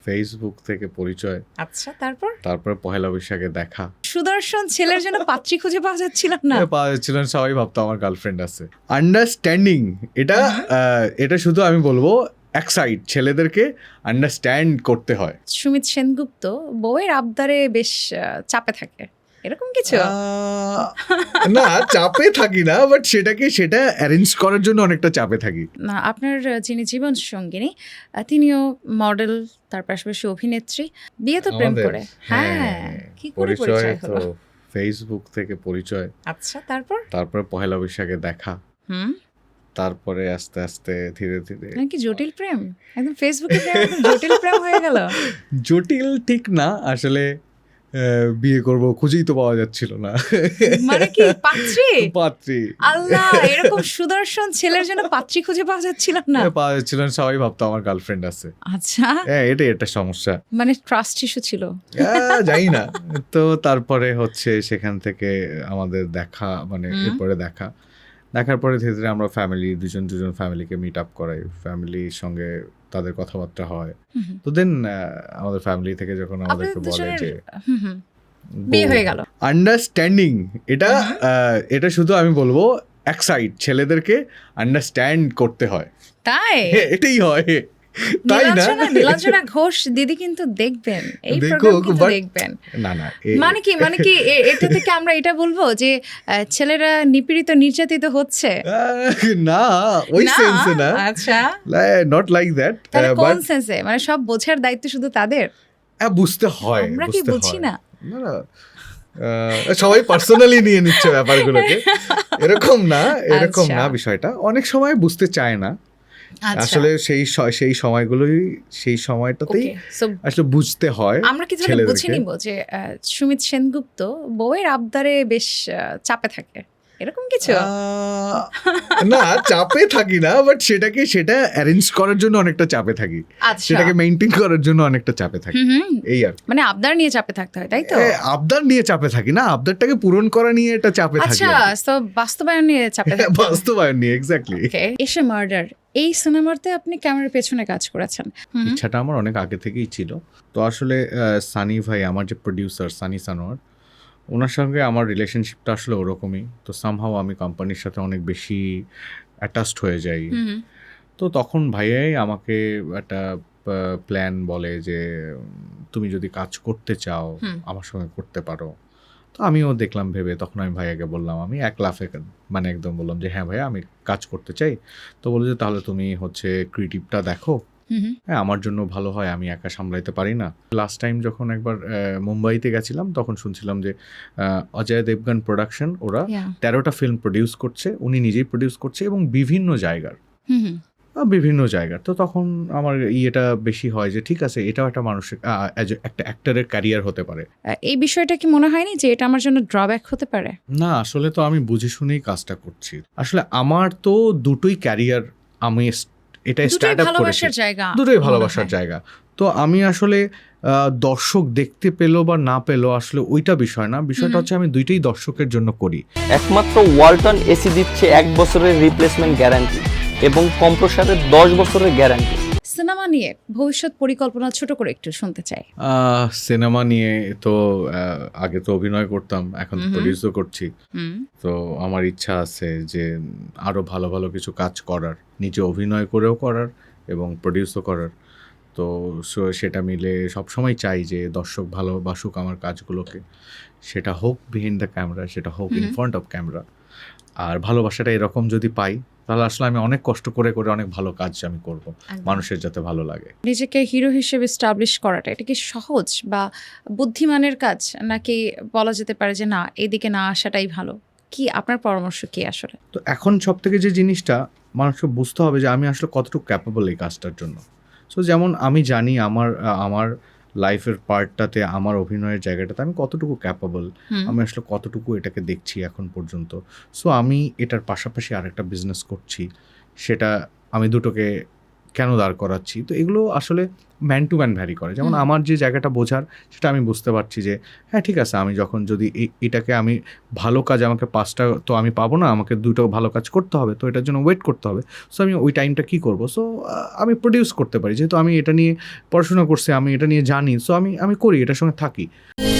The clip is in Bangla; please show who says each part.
Speaker 1: ফেসবুক থেকে পরিচয়,
Speaker 2: আচ্ছা, তারপর
Speaker 1: পহেলা বৈশাখে দেখা।
Speaker 2: সুদর্শন ছেলের জন্য পাত্রী খুঁজে পাওয়া যাচ্ছিল না।
Speaker 1: পাওয়া যাচ্ছিল না, সবাই ভাবতো আমার গার্লফ্রেন্ড আছে। আন্ডারস্ট্যান্ডিং এটা শুধু আমি বলবো এক সাইড, ছেলেদেরকে আন্ডারস্ট্যান্ড করতে হয়।
Speaker 2: সুমিত সেনগুপ্ত বউয়ের আবদারে বেশ চাপে থাকে, এরকম কিছু?
Speaker 1: না, চাপে থাকি না, বাট সেটা অ্যারেঞ্জ করার জন্য অনেকটা চাপে থাকি।
Speaker 2: না, আপনার যিনি জীবন সঙ্গিনী তিনিও মডেল, তার পাশাপাশি অভিনেত্রী, বিয়ে তো প্রেম করে। হ্যাঁ, কি করে পরিচয় হলো?
Speaker 1: ফেসবুক থেকে পরিচয়,
Speaker 2: আচ্ছা,
Speaker 1: তারপর পহেলা বৈশাখে দেখা,
Speaker 2: হুম,
Speaker 1: তারপরে আস্তে আস্তে ধীরে ধীরে।
Speaker 2: কি জটিল প্রেম, একদম ফেসবুকে প্রেম একদম জটিল প্রেম হয়ে গেল।
Speaker 1: জটিল ঠিক না, আসলে বিয়ে করব খুঁজেই তো পাওয়া যাচ্ছিল না।
Speaker 2: মানে কি
Speaker 1: পাত্রী?
Speaker 2: আল্লাহ, এরকম সুদর্শন ছেলের জন্য পাত্রী খুঁজে পাওয়া যাচ্ছিল না।
Speaker 1: পাওয়া যাচ্ছিল না, সবাই ভাবতো আমার গার্লফ্রেন্ড আছে।
Speaker 2: আচ্ছা,
Speaker 1: এটাই একটা সমস্যা,
Speaker 2: মানে ট্রাস্ট ইস্যু ছিল।
Speaker 1: জানি না। তো তারপরে হচ্ছে সেখান থেকে আমাদের দেখা, মানে এরপরে দেখার পরে ধীরে ধীরে আমরা দুজন ফ্যামিলিকে মিট আপ করাই, ফ্যামিলির সঙ্গে তাদের কথাবার্তা হয়। তো দেন আমাদের ফ্যামিলি থেকে যখন আমাদেরকে বলে যে
Speaker 2: বিয়ে হয়ে গেল।
Speaker 1: আন্ডারস্ট্যান্ডিং এটা শুধু আমি বলবো এক সাইড, ছেলেদেরকে আন্ডারস্ট্যান্ড করতে হয়।
Speaker 2: তাই
Speaker 1: এটাই হয়, তাই না?
Speaker 2: নীলাঞ্জনা ঘোষ দিদি কিন্তু দেখবেন এই প্রোগ্রাম, কিন্তু দেখবেন।
Speaker 1: না
Speaker 2: মানে কি এটা থেকে আমরা এটা বলবো যে ছেলেরা নিপীড়িত নির্যাতিত হচ্ছে?
Speaker 1: না, ওই সেন্সে না।
Speaker 2: আচ্ছা,
Speaker 1: নট লাইক দ্যাট।
Speaker 2: তাহলে কোন সেন্সে? মানে সব বোঝার দায়িত্ব শুধু তাদের?
Speaker 1: বুঝতে হয়,
Speaker 2: আমরা কি বুঝি না?
Speaker 1: না, সবাই পার্সোনালি নিয়ে নিচ্ছে ব্যাপারগুলোকে। এরকম না বিষয়টা। অনেক সময় বুঝতে চায় না আসলে, সেই সময়টাতেই আসলে বুঝতে হয়।
Speaker 2: আমরা কি তাহলে বুঝে নিব যে সুমিত সেনগুপ্ত বউয়ের আবদারে বেশ চাপে থাকে, এরকম কিছু?
Speaker 1: না, চাপে থাকি না, বাট সেটা অ্যারেঞ্জ করার জন্য অনেকটা চাপে থাকি, সেটাকে মেইনটেইন করার জন্য অনেকটা চাপে থাকি, এই আর।
Speaker 2: মানে আবদার নিয়ে চাপে থাকতে হয়, তাই তো?
Speaker 1: আবদার নিয়ে চাপে থাকি না, আবদারটাকে পূরণ করা নিয়ে এটা চাপে থাকি।
Speaker 2: আচ্ছা, তো বাস্তবায়ন নিয়ে চাপে থাকি।
Speaker 1: বাস্তবায়ন নিয়ে, এক্স্যাক্টলি।
Speaker 2: এসে মার্ডার, এই সিনেমাতে আপনি ক্যামেরার পেছনে কাজ করেছেন।
Speaker 1: ইচ্ছাটা আমার অনেক আগে থেকেই ছিল। তো আসলে সানি ভাই, আমার যে প্রডিউসার সানি সানোয়ার, ওনার সঙ্গে আমার রিলেশনশিপটা আসলে ওরকমই। তো সামহাও আমি কোম্পানির সাথে অনেক বেশি অ্যাটাচড হয়ে যাই। তো তখন ভাইয়াই আমাকে একটা প্ল্যান বলে যে তুমি যদি কাজ করতে চাও আমার সঙ্গে করতে পারো। তো আমিও দেখলাম ভেবে, তখন আমি ভাইয়াকে বললাম, আমি এক লাফে মানে একদম বললাম যে হ্যাঁ ভাইয়া, আমি কাজ করতে চাই। তো বললো যে তাহলে তুমি ক্রিয়েটিভটা দেখো, হ্যাঁ আমার জন্য ভালো হয়, আমি একা সামলাইতে পারি না। লাস্ট টাইম যখন একবার মুম্বাইতে গেছিলাম, তখন শুনছিলাম যে অজয় দেবগান প্রোডাকশন, ওরা 13টা ফিল্ম প্রডিউস করছে, উনি নিজেই প্রডিউস করছে, এবং বিভিন্ন জায়গার। তো তখন আমার এটা বেশি হয় যে ঠিক আছে, এটাও একটা মানুষের একটা অ্যাক্টরের ক্যারিয়ার হতে পারে।
Speaker 2: এই বিষয়টা কি মনে হয়নি যে এটা আমার জন্য ড্রব্যাক হতে পারে?
Speaker 1: না, আসলে তো আমি বুঝে শুনেই কাজটা করছি। আসলে আমার তো দুটোই ক্যারিয়ার, আমি এটা স্টার্ট আপ করেছি, দুটোই ভালোবাসার জায়গা। তো আমি আসলে দর্শক দেখতে পেলো বা না পেলো আসলে ওইটা বিষয় না, বিষয়টা হচ্ছে আমি দুইটাই দর্শকের জন্য করি।
Speaker 3: একমাত্র ওয়ালটন এসি দিচ্ছে 1 বছরের রিপ্লেসমেন্ট গ্যারান্টি এবং কম্প্রেসারের 10 বছরের গ্যারান্টি।
Speaker 2: সিনেমা নিয়ে ভবিষ্যৎ পরিকল্পনা ছোট করে একটু শুনতে চাই।
Speaker 1: সিনেমা নিয়ে তো আগে তো অভিনয় করতাম, এখন তো প্রডিউসও করছি। তো আমার ইচ্ছা আছে যে আরো ভালো ভালো কিছু কাজ করার, নিজে অভিনয় করেও করার এবং প্রডিউসও করার। তো সেটা মিলে সবসময় চাই যে দর্শক ভালোবাসুক আমার কাজগুলোকে, সেটা হোক বিহাইন্ড দ্য ক্যামেরা, সেটা হোক ইন ফ্রন্ট অফ ক্যামেরা। আর ভালোবাসাটা এরকম যদি পাই, তাহলে আসলে আমি অনেক কষ্ট করে অনেক ভালো কাজ আমি করব, মানুষের যাতে ভালো লাগে।
Speaker 2: নিজেকে হিরো হিসেবে এস্টাবলিশ করাটা, এটা কি সহজ বা বুদ্ধিমানের কাজ, নাকি বলা যেতে পারে যে না, এদিকে না আসাটাই ভালো? কি আপনার পরামর্শ কি আসলে?
Speaker 1: তো এখন সব থেকে যে জিনিসটা মানুষকে বুঝতে হবে যে আমি আসলে কতটুকু ক্যাপেবল এই কাজটার জন্য। সো যেমন আমি জানি আমার লাইফের পার্টটাতে, আমার অভিনয়ের জায়গাটাতে আমি কতটুকু ক্যাপেবল, আমি আসলে কতটুকু এটাকে দেখছি এখন পর্যন্ত। সো আমি এটার পাশাপাশি আরেকটা বিজনেস করছি, সেটা আমি দুটোকে কেন দাঁড় করাচ্ছি। তো এগুলো আসলে ম্যান টু ম্যান ভ্যারি করে। যেমন আমার যে জায়গাটা বোঝার সেটা আমি বুঝতে পারছি যে হ্যাঁ ঠিক আছে, আমি যখন যদি এটাকে আমি ভালো কাজ, আমাকে 5টা তো আমি পাবো না, আমাকে 2টো ভালো কাজ করতে হবে, তো এটার জন্য ওয়েট করতে হবে। সো আমি ওই টাইমটা কী করবো, সো আমি প্রডিউস করতে পারি, যেহেতু আমি এটা নিয়ে পড়াশোনা করছি, আমি এটা নিয়ে জানি, সো আমি করি, এটার সঙ্গে থাকি।